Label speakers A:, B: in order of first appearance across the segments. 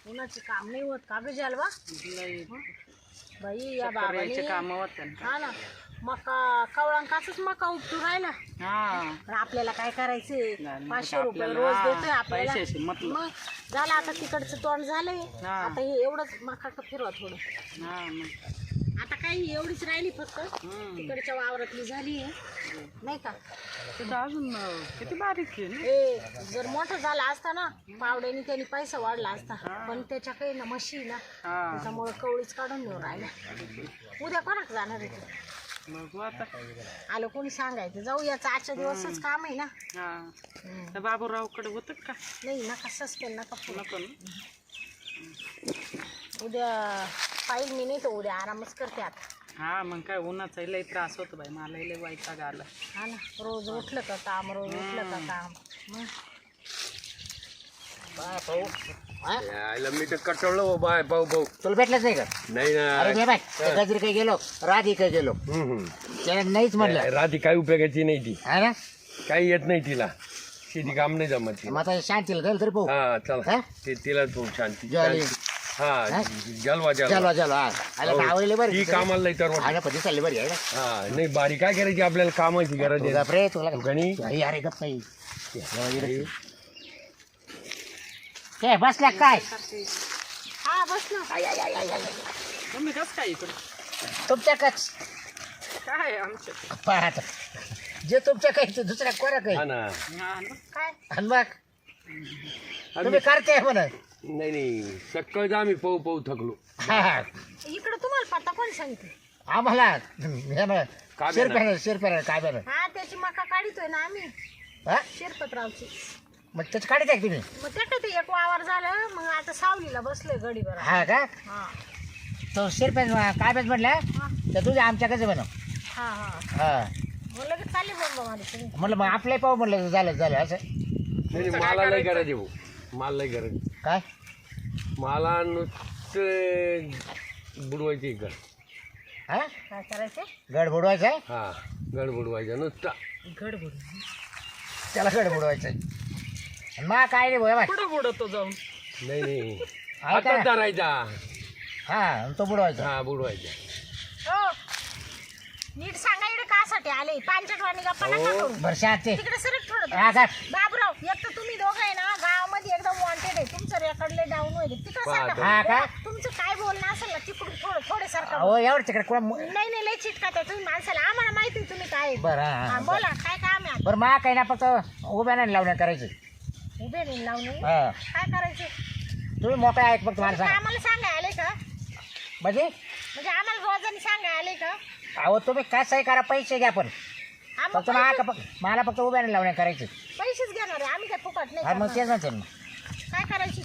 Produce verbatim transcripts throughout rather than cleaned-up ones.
A: उन्हाचे काम नाही होत का ग जलवा बाई या बाबाने
B: काम होत
A: हा ना मका कवळांकाच मका उपटू राहिला पण आपल्याला काय करायचंय पाचशे रुपये रोज देतोय आपल्याला मग झालं आता तिकडचं तोंड झालंय आता हे एवढंच मका फिरवा थोडं आता काही एवढीच राहिली फक्त तिकडच्या वावरातली झाली आहे नाही का
B: अजून किती बारीक
A: ए जर मोठा झाला असता ना पावड्याने त्यांनी पैसा वाढला असता पण त्याच्या काही ना म्हशी ना त्याच्यामुळे कवळीच काढून नेऊन राहिल्या उद्या कोणाक जाणार आहे आलो कोणी सांगायचं जाऊ याचा आजच्या दिवसच काम आहे ना
B: बाबूरावकडे होत का
A: नाही नका सस्पेंड नका नको उद्या पाहिजे मी नाही तर उद्या आरामच करते आता
B: हा मग काय उन्हाचा लय त्रास होतो बाई मला लय वैताग आला
A: हा ना रोज उठलं का काम रोज उठलं का काम
C: यायला मी तर कटवलं बाय भाऊ भाऊ
D: तुला भेटलंच नाही का
C: नाही
D: अरे
C: ना
D: बाय गजरी काही गेलो राधी काही गेलो त्याला नाहीच म्हणलं
C: राधी काही उपयोगाची नाही ती
D: हा ना
C: काही येत नाही तिला शेती काम नाही जमत ती.
D: मग आता शांतीला गेलं तरी पाहू
C: हा चला
D: हा?
C: ते तिला तू शांती
D: जॉली.
C: हा जलवा
D: चलो
C: जलवा
D: चलो हा आला
C: हो.
D: आवडले बरं
C: ती कामाला लई तर
D: आला पण चालली बरी आहे ना
C: हा नाही बारी काय करायची आपल्याला कामाची गरज आहे
D: गप्रे तुला
C: गणी
D: अरे अरे गप्प नाही काय बसल्या काय
A: हा बस ना
B: तुम्ही कस काय इकडे
D: तुमच्याकच
B: काय आमच्या
D: पाहत जे तुमच्या काही ते दुसऱ्या कोणा काही
C: हा ना
A: काय
D: आणि मग तुम्ही करते म्हणा
C: नाही नाही सकाळच आम्ही पाहू पाहू थकलो
D: हा हा
A: इकडं तुम्हाला पत्ता कोण सांगते
D: आम्हाला हे ना
C: काय
D: शिरप्यानं शिरप्यानं काय बरं
A: हा त्याची मका काढितोय ना आम्ही
D: हा
A: शिरपतरावची
D: मग त्याची काढी द्या तुम्ही
A: मग त्याच्यात ते एक वावर झालं मग आता सावलीला बसलोय गडीवर
D: हा का
A: हा
D: तो शिरप्यान काय बेस म्हटलं तर तुझ्या आमच्याकडे बनव
A: हा हा
D: हा
A: मग लगेच चालले बोंबा माझी तुम्ही
D: म्हटलं मग आपले पाहू म्हटलं झालं झालं असं
C: नाही नाही, मला लय गरज आहे भाऊ मला लय गरज आहे.
D: काय
C: मला नुसतं बुडवायची घर
D: हा
A: काय करायचं
D: गड बुडवायचा आहे
C: हा गड बुडवायचा नुसता
A: गडबड
D: त्याला गड बुडवायचा आहे मग काय रे भाई
B: कुठं बुडतो जाऊन
C: नाही नाही
D: आहे का?
C: हातात धरायचा
D: हा आणि तो बुडवायचा
C: हा बुडवायचा
A: हो नीट सांगा इकडे कासाठी आले पांचटवाणी गप्पा नका
C: हो.
A: करू
D: बरं शांती
A: तिकडे सरक थोडं
D: हा का
A: बाबराव एक तर तुम्ही दोघं आहे ना गावामध्ये एकदम वॉन्टेड आहे तुमचं रेकॉर्डले डाऊन होईल तिकडे
C: पाहतो.
A: सरका.
D: हा का?
A: तुमचं काय बोलणं असेल ना तिकडून थोडं थोडे सारखं
D: अहो एवढं तिकडे कोण
A: नाही नाही लय चिटका त्या तुम्ही माणसाला आम्हाला माहिती आहे तुम्ही काय आहे.
D: बरं हा,
A: हा,
D: हा
A: बोला काय काम आहे
D: बरं मा काही ना फक्त उभ्या नाही लावण्या करायचं
A: आता? उभे नाही लावून
D: हा
A: काय करायचं
D: तुम्ही मोकळा आहे फक्त मला सांगा
A: आम्हाला सांगाय आले का
D: म्हणजे
A: म्हणजे आम्हाला रोजाने सांगाय आले का
D: अहो तुम्ही काय सही करा पैसे घ्या पण
A: आम्ही
D: फक्त मा का मला फक्त उभ्या नाही लावण्या करायचं
A: पैसेच घेणार आहे आम्ही काय फुकट नाही
D: हा मग
A: करणार.
D: तेच म्हणते ना
A: काय करायची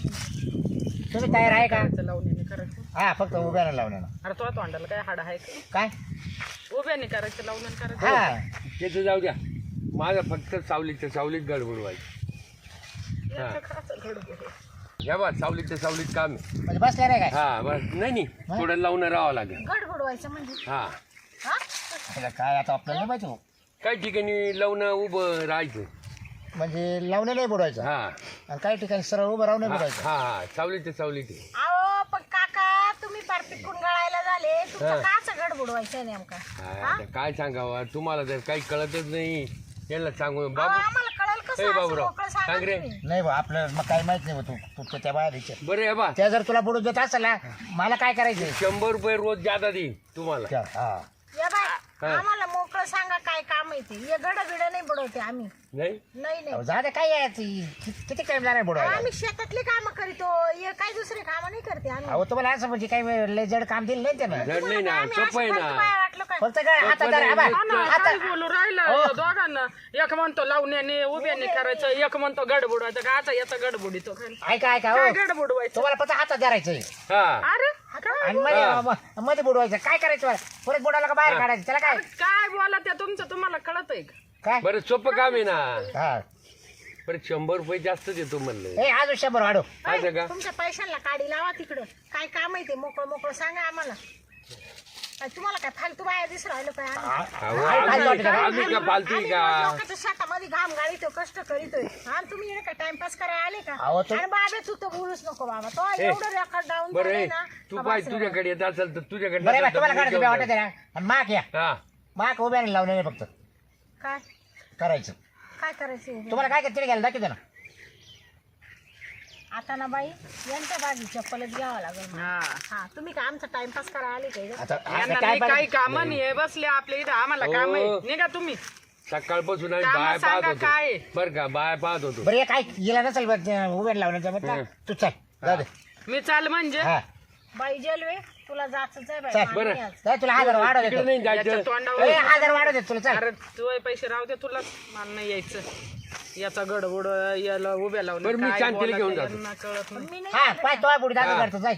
D: तुम्ही तयार आहे का
B: लावण्याने करायचं
D: हा फक्त उभ्या नाही लावण्या
B: अरे तो तोंडाला काय हाड आहे का
D: काय
B: उभ्याने करायचं लावण्याने करायचं
D: हा
C: त्याचं जाऊ द्या माझं फक्त सावलीच्या सावलीत गड बुडवायची
B: याचं खायचं गडबड.
C: घ्या बा सावलीच्या सावलीत काम आहे
D: म्हणजे बसल्या नाही काय
C: हा बस नाही नाही थोडं लावून राहावं लागेल
A: गड बुडवायचं म्हणजे
C: हा
A: हा
D: त्याला काय आता आपल्याला नाही माहिती हो.
C: काही ठिकाणी लावणं उभं राहायचं
D: म्हणजे लावणे नाही बुडवायचं
C: हा
D: आणि काही ठिकाणी सरळ उभं राहून नाही
C: हा
D: बुडवायचं
C: हा सावलीच्या सावलीत आहे.
A: अहो पण काका तुम्ही पार पिटकून गळायला झाले तुमचं
C: हा.
A: काच गड बुडवायचं नेमका
C: हा, आता काय सांगावं तुम्हाला तर काही कळतच नाही यांना सांगू
A: अहो,
C: बाबू
A: आम्हाला कळेल
C: ए
A: कसं असं
C: बाबूराव,
A: मोकळं सांगा
C: सांग रे.
A: तुम्ही.
D: नाही बा आपल्याला मग काही माहित नाही बा तू तू त्या बाहेर विचार
C: बरं आहे बा
D: त्या जर तुला बुडून देत असेल ना मला काय करायचं
C: शंभर रुपये रोज जादा देईन तुम्हाला
D: हा
A: या बाय
C: हा.
A: आम्हाला मोकळं सांगा काय काम आहे ते हे गड बिड नाही बुडवते आम्ही
C: नाही
A: नाही नाही
D: जा दे काय आहे ती कि- किती टाइम जाणार बुडवायला
A: आम्ही शेतातले काम करीतो हे काही दुसरे काम नाही करते आम्ही
D: अहो तुम्हाला असं म्हणजे काही लय जड काम दिलं नाही त्यानं
C: जड नाही ना
A: आम्ही
C: सोपं आहे
A: असं करतो
C: ना
A: काय वाटलं काय
D: फक्त काय हातात धरा, हा बा.
B: हा ना,
D: हातात-
B: काय बोलू राहिलं
D: हो.
B: या दोघांना एक म्हणतो लावण्याने उभ्याने करायचं एक म्हणतो गड बुडवायचं का आता याचा गड बुडितो काय
D: ऐका ऐका
B: काय
D: हो
B: गड बुडवायचं
D: तुम्हाला फक्त हातात धरायचंय
C: हा
B: अरे काय
D: आणि मध्ये मध्ये बुडवायचं काय करायचं बरं? परत बुडाला का बाहेर काढायचं त्याला काय
B: काय बोला त्या तुमचं तुम्हाला कळत आहे का
D: काय
C: बरं सोपं काम आहे ना
D: हा
C: बरं शंभर रुपये जास्त देतो म्हणलं
D: ए आज शंभर वाढव
C: असं का
A: तुमच्या पैशांना काढी लावा तिकडं काय काम आहे ते मोकळं मोकळं सांगा आम्हाला काय तुम्हाला काय फालतू बाया दिसू राहिलो काय आम्ही?
C: अहो, आम्ही आम्ही का पालती
A: आम्ही
C: का
A: रोज लोकांच्या शेतामध्ये घाम गाळीतो कष्ट करीतोय आणि तुम्ही येणे का टाइमपास करायला आले का
D: अहो, तो-
A: आणि बाबा तू तर बोलूच नको बाबा तो एवढं रेकॉर्ड डाऊन
C: बरं
A: झालंय
C: ए,
A: ना
C: तू
A: का
C: पाय
A: बस रे.
C: तुझ्याकडे येत असेल तर तुझ्याकडे
D: बरं
C: नसेल
D: बा
C: तर
D: तुम्हाला
C: मी
D: काढायचं
C: घेऊन
D: वाटत आहे ना आणि माक या
C: जातो. हा
D: माक उभ्याने लावलेले फक्त
A: काय
D: करायचं
A: काय करायचं
D: तुम्हाला काय करते घ्यायला दाखवते ना
A: आता ना बाई यांच्या बाजी चप्पलच घ्यावं लागेल मला.
B: हा
A: हा तुम्ही का आमचा टाइमपास करायला आले काय
D: आता
B: यांना
D: आता
B: नाही
D: काय
B: काही
D: पाहिजे?
B: काम नाही बसले आपल्या इथं आम्हाला
C: हो.
B: काम आहे निघा तुम्ही
C: सकाळपासून आम्ही
B: कामं
C: बाय
B: सांगा
C: पाहत
B: काय?
C: होतो बर का बाय पाहत होतो
D: बरं हे काय गेला नसेल उभ्याने लावण्याचा बरं
C: हं.
D: तू चल जाऊ दे
B: मी चाल म्हणजे
D: हा
A: बाई जेलवे तुला जायचंच आहे बाई
D: चल,
A: मान्य
C: बरं.
A: आहे आज.
D: जाय तुला हजार वाढव
C: तिकडे
D: देतो
C: नाही
B: याच्या
C: जायचं
B: तोंडावर
D: ए, हजार वाढव देतो तुला चल
B: अरे तू पैसे राहू दे तुला मला नाही यायचं याचा गडबड याला उभ्या लावलं
C: बरं, मी
B: काय
C: शांतीला घेऊन
B: बोलायचं
C: जातो.
B: यांना कळत नाही
A: मी नाही
D: हा
A: आले
D: पाय
A: बाई.
D: तो बुडी दादा
C: हा.
D: करतो जाय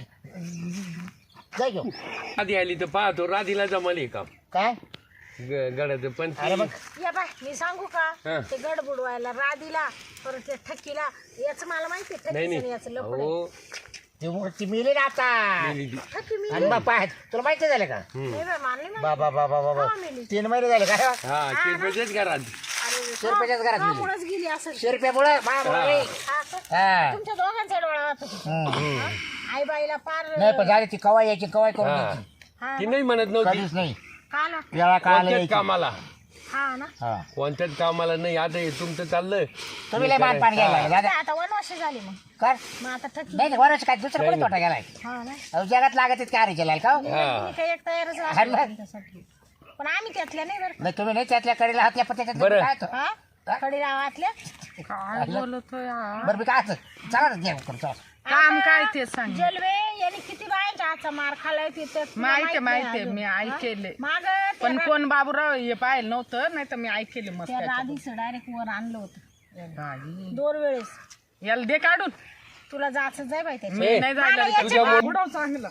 D: जाय घेऊ
C: आधी आली तर पाहतो राधीला जमले काम
D: काय
C: गडाचं पण ती-
D: अरे मग
A: या बाय मी सांगू का
C: हा.
A: ते गड बुडवायला राधीला परत ते ठकीला याच मला माहिती
C: नाही
A: ठकीचं याचं
C: नाही
A: लपड
C: हो
D: ती मूर्ती मिली ना आता
C: मेली ती.
A: ठकी मी
D: आणि मग पाय तुला माहिती झालं का
A: नाही बाई मानली माहिती.
D: बाबा बाबा बाबा
A: हा, मेली.
D: तीन महिने झाले काय
C: हा शिरपेचेच घरात
A: अरे
D: शिरपेच्याच घरात गेली.
A: मुळच गेली असेल
D: शिरप्यामुळं मामुळे
A: हा का?
D: हा
A: तुमच्या दोघांचा डोळा वाहत होता. आई बाईला पार
D: नाही पण झाली ती कवाय यायची कवाय करून
C: हा.
D: द्यायची.
A: हा
C: ती नाही म्हणत नव्हती
D: कधीच नाही
A: का ना
D: वेळा काळाला
C: कोणत्याच
D: यायची
C: कामाला
A: हा ना
D: हा
C: कोणत्याच कामाला नाही आता हे तुमचं चाललंय
D: तुम्ही लय मान पाणी घ्यायला लागले दादा
A: आता वनवास झाली मग
D: कर
A: मग आता ठकी
D: नाही वरच काय दुसरं कोणी तोटा गेलाय
A: हा ना
D: अहो, जगात लागत आहेत काय केलाय का हो?
C: हा.
A: तुम्ही काही एक तयारच
D: हा
A: राहतो
D: ना.
A: तुमच्यासाठी. पण आम्ही त्यातल्या नाही बरं
D: नाही तुम्ही नाही त्यातल्या कडेला हातल्या पत्त्याच्या
C: बरं.
D: काय तो?
A: हा खडी रावातल्या
B: काय बोलतोय हा?
D: बरं मी काय असं चला ना घ्या करू, चला.
B: काम काय ते सांग
A: जलवे यांनी किती बायांच्या हातचा मार खालाय ते तर तुला
B: माहिती
A: माहित
B: माहिती
A: नाही
B: मी
A: अजून.
B: ऐकेले
A: माग
B: पण कोण बाबूराव हे पाहिलं नव्हतं नाही तर मी ऐकेले मग
A: त्या
B: त्याच्यात.
A: राधीचं डायरेक्ट वर आणलं होतं
B: बाई.
A: दोन वेळेस
B: याला दे काढून
A: तुला जायचं जाय बाई त्याच्या
B: मी नाही जायला
C: तुझ्या मो-
B: बुडाव चांगलं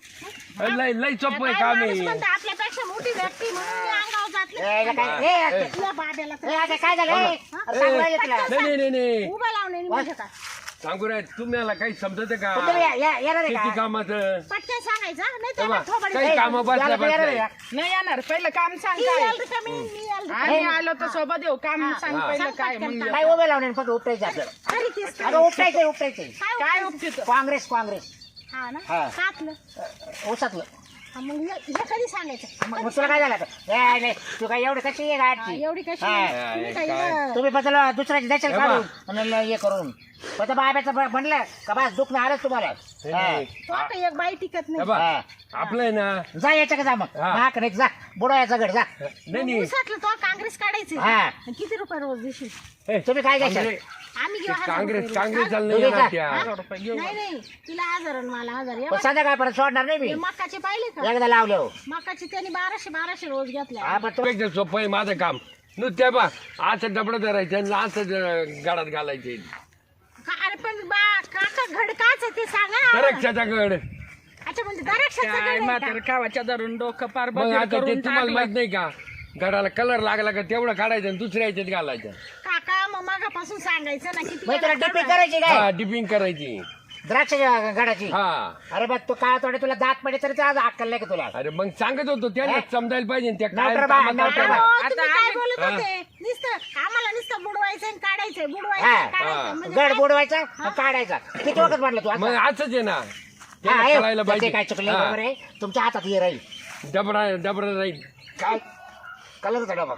C: लय लय चप्प आहे
A: काय
C: काम
A: माणूस
C: आहे
A: म्हणतो, आपल्यापेक्षा मोठी व्यक्ती म्हणून मी अंगावर जातले
D: ए, याला काय ए, ए,
A: तुला बाब्याला तर
D: ए, आता काय झालं ए, अरे सांगू राहिले तुला
C: नाही नाही नाही नाही
A: उभा लावणे म्हणजे काय
C: सांगू राय तुम्हाला काही समजत का
D: पण तुम्ही या- या- येणार आहे
C: शेती
D: का?
C: कामाचं
A: पटकन सांगायचं नाही
C: तेव्हा
A: तर थोबाडी
C: काही
D: ए,
C: काम बसल्या
D: याला तर येणार आहे
C: बसल्या
D: का?
B: नाही येणार पहिलं काम सांग
A: ती
B: काय
A: याल रिकामी, मी याल रिकामी.
B: आम्ही आलो तर सोबत येऊ काम सांग
C: हा.
B: पहिलं
A: सांग
B: काय
A: पटकन
B: मग
D: काय उभे लावणे फक्त उपटायचं आपल्याला
A: तरी तेच काय.
D: अगं उपटायचंय उपटायचंय
A: काय
B: काय
A: उपयोग?
B: उपचित
D: काँग्रेस काँग्रेस
A: हा ना
D: हा.
A: कातलं
D: ऊसातलं
A: हा, मग हे हे कधी सांगायचं
D: मग मग तुला काय झालं आता? ए, नाही तू काय एवढी कशी आहे
A: हा,
D: गाडची
A: एवढी कशी
D: हा.
A: तुम्ही काही
C: काय?
A: बरं.
D: तुम्ही बदल दुसऱ्याची द्यायचं
C: हे
D: काढून आणि ल- हे करून पण बाब्याचं ब- म्हणलं का बस दुखणं आलंच तुम्हाला हा.
A: तो आता एक बाई टिकत
C: हे
A: नाही
C: बा,
D: हा.
C: आपलं आहे ना
D: जा याच्या का जा मग
C: हा.
D: हा नाही जा बुडवायचा गड जा
C: नाही नाही
A: ऊसातलं तो काँग्रेस काढायचे
D: हा.
A: किती रुपये रोज देशील
C: हे,
D: तुम्ही काय घ्यायचं
C: काँग्रेस
A: आम्ही घेऊ हजार
C: काँग्रेस
A: रुपये
C: काँग्रेस
A: रोज.
C: चाललं
D: तुम्ही
C: येणार
D: का?
C: त्या
B: हजार रुपये घेऊ
A: नाही नाही तिला हजार आणि मला हजार या
D: पण संध्याकाळपर्यंत सोडणार नाही मी
A: हे मकाचे पाहिले का
D: एकदा लावले हो
A: मकाचे त्यांनी बाराशे बाराशे रोज घेतल्या
D: हा पण तो
C: एकदम सोपं आहे माझं काम नुसत्या बा असं डबडं धरायचं आणि असं गाडात घालायचे
A: का- अरे पण बा काका घड काच आहे ते सांगा ना आम्हाला.
C: दरक्षाचा गड
A: अच्छा म्हणजे दराक्षाचं घड
B: काय
A: आहे का?
B: म्हातार कावाच्या धरून डोकं पार
C: मग
B: बधीर
C: आता ते
B: करून
C: तुम्हाला
B: टाकलं.
C: माहित नाही का गडाला कलर लागला का तेवढं काढायचं आणि दुसऱ्या याच्यात घालायचं
A: काका मग मागापासून सांगायचं ना किती
D: मग तुला
A: वेळा
D: डिपिंग
A: काढायचं?
D: करायची काय
C: हा डिपिंग करायची
D: द्राक्षाच्या गडाची
C: हा
D: अरे बघ तू काळा तोडे तुला दात पडे तरी आज अक्कल नाही का तुला
C: अरे मग सांगत होतो त्याला
D: हे?
C: समजायला पाहिजे ना त्या काय
D: नोकर बा,
C: कामात
D: नोकर
C: करतात.
D: बा.
A: अहो,
B: आता
A: तुम्ही काय
B: आम्ही-
A: बोलत
C: हा.
A: होते नुसतं आम्हाला नुसतं बुडवायचं आणि काढायचंय बुडवायचं
D: हा.
A: आणि काढायचं
C: हा.
A: म्हणजे
D: गड
A: काय?
D: बुडवायचा आणि काढायचा किती वखत म्हटलं तू आता?
C: मग असंच आहे ना
D: हा,
C: त्याला
D: हे,
C: कळायला
D: त्याचे काय चुकले
C: पाहिजे
D: बरोबर आहे तुमच्या हातात हे राहील
C: हा. डबरा डबरा राहील
D: काय कलरचा डबा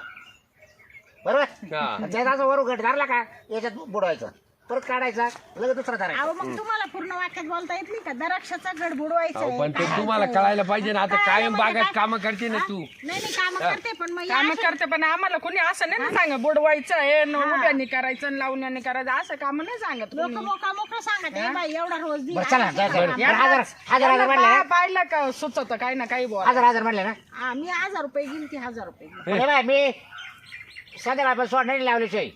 D: बरोबर
C: हा.
D: त्याचा असं वर गट धरला का याच्यात बुडवायचं परत काढायचा लगेच दुसरा धरायचा
A: अहो मग तुम्हाला पूर्ण वाक्यात बोलता येत नाही का दराक्षाचा गड बुडवायचा
C: अहो,
A: आहे,
C: पण ते
A: काढायचं
C: तुम्हाला
A: आहे.
C: कळायला पाहिजे ना आता
A: काय
C: कायम
A: म्हणजे
C: बागात
A: काय?
C: कामं करते ना
A: हा?
C: तू
A: नाही नाही काम करते पण मग
B: काम
A: या
B: करते पण आम्हाला कोणी असं नाही ना सांग बुडवायचं आहे न उभ्याने करायचं न लावण्याने करायचं असं काम नाही सांगत
A: लोक
B: कोणी.
A: मोका मोकळं सांगत "ए बाई एवढा रोज दे
D: बरं चला जा, जा.
A: हा,
D: बरं, हजार हजार हजार म्हणले
B: यांना
D: ना
B: पा- पाहिलं का सुचत काही ना काही बोल
D: हजार हजार म्हणले ना
A: हा, मी हजार रुपये घेईल ती हजार रुपये घेईल.
D: अरे बाय मी संध्याकाळपर्यंत सोडणार नाही लावल्याशिवाय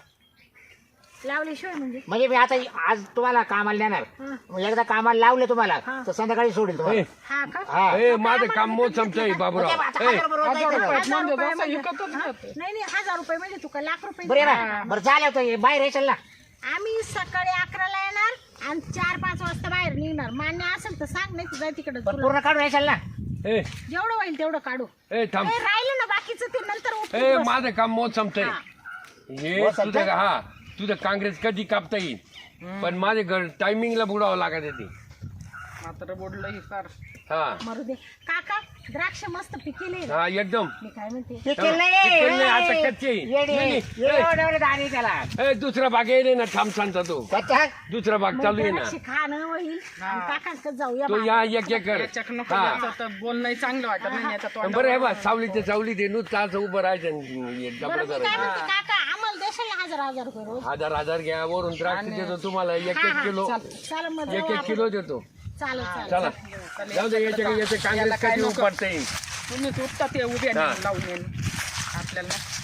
A: लावल्याशिवाय म्हणजे
D: म्हणजे मी आता आज तुम्हाला कामाला नेणार
A: हा.
D: मग एकदा कामाला लावले तुम्हाला
A: हा.
D: तर संध्याकाळी सोडेल तुम्हाला
C: ए,
A: हा का
D: हा.
C: ए, माझं काम मोसमचं आहे बाबूराव
D: म्हणजे आता
C: ए,
D: हजार रुपये रोज
B: हजार
D: जायचं
B: रुपये
D: ना.
A: हजार
B: म्हणजे
A: रुपये
B: जसं
A: म्हणजे-
B: विकतच
A: हा?
B: जातं.
A: नाही नाही हजार रुपये म्हणजे तुका लाख रुपये
D: बरं आहे
A: घेईल.
D: बा बरं झालं होतं बाहेर येशील ना
A: आम्ही सकाळी अकराला येणार आणि चार पाच वाजता बाहेर निघणार मान्य असेल तर सांग नाही तर जाय तिकडे
D: पण पूर्ण काढून येशील ना
C: ए
A: जेवढं होईल तेवढं काढू
C: ए थांब
A: ए, राहिलं ना बाकीचं ते नंतर उपटून
C: ए
A: बस.
C: माझं काम मोज संपतंय
A: हा.
C: हे
D: मोज
C: तुझं
D: संपतंय?
C: हा तुझं काँग्रेस कधी कापता येईल पण माझे घर टायमिंगला बुडावं लागत ते
B: मात्र बोललं ही फार
C: हा
A: मरू दे काका द्राक्ष मस्त पिकेले ना.
C: हा एकदम
A: मी काय म्हणते
D: पिकेल नाही,
C: पिकेल नाही, आता
D: ए,
C: कच्चे.
D: येडे,
C: नाही, नाही.
D: एवढं एवढं दाणे त्याला
C: ए दुसरा भाग येईल ना थांब सांगता तो
D: कच्चा
C: दुसरा भाग
A: मग
C: चालू आहे ना
A: द्राक्ष खाणं होईल आणि काकांकडे जाऊया
C: तो या एक एकर
B: याच्याक नको
C: हा
B: याचं तर बोलणंही चांगलं वाटत नाही याचा
C: पण
B: तोंड
C: बरं आहे बा सावली ते सावली ते नुसतं असं उभं राहायचं आणि डबडं
A: बरं मी काय
C: करायचं
A: म्हणते काका आम्हाला देशाल ना हजार हजार रुपये रोज
C: हजार हजार घ्या वरून द्राक्ष देतो तुम्हाला एक एक किलो
A: चालेल मग
C: एक
A: जाऊ
C: एक
A: आपण.
C: किलो देतो
A: चालेल चालेल
C: चला जाऊ दे याच्या याचे काँग्रेस
B: याला काय
C: कधी
B: नको.
C: उपटता येईल
B: तुम्ही उठता ते उभे
C: हा.
B: लावून आपल्याला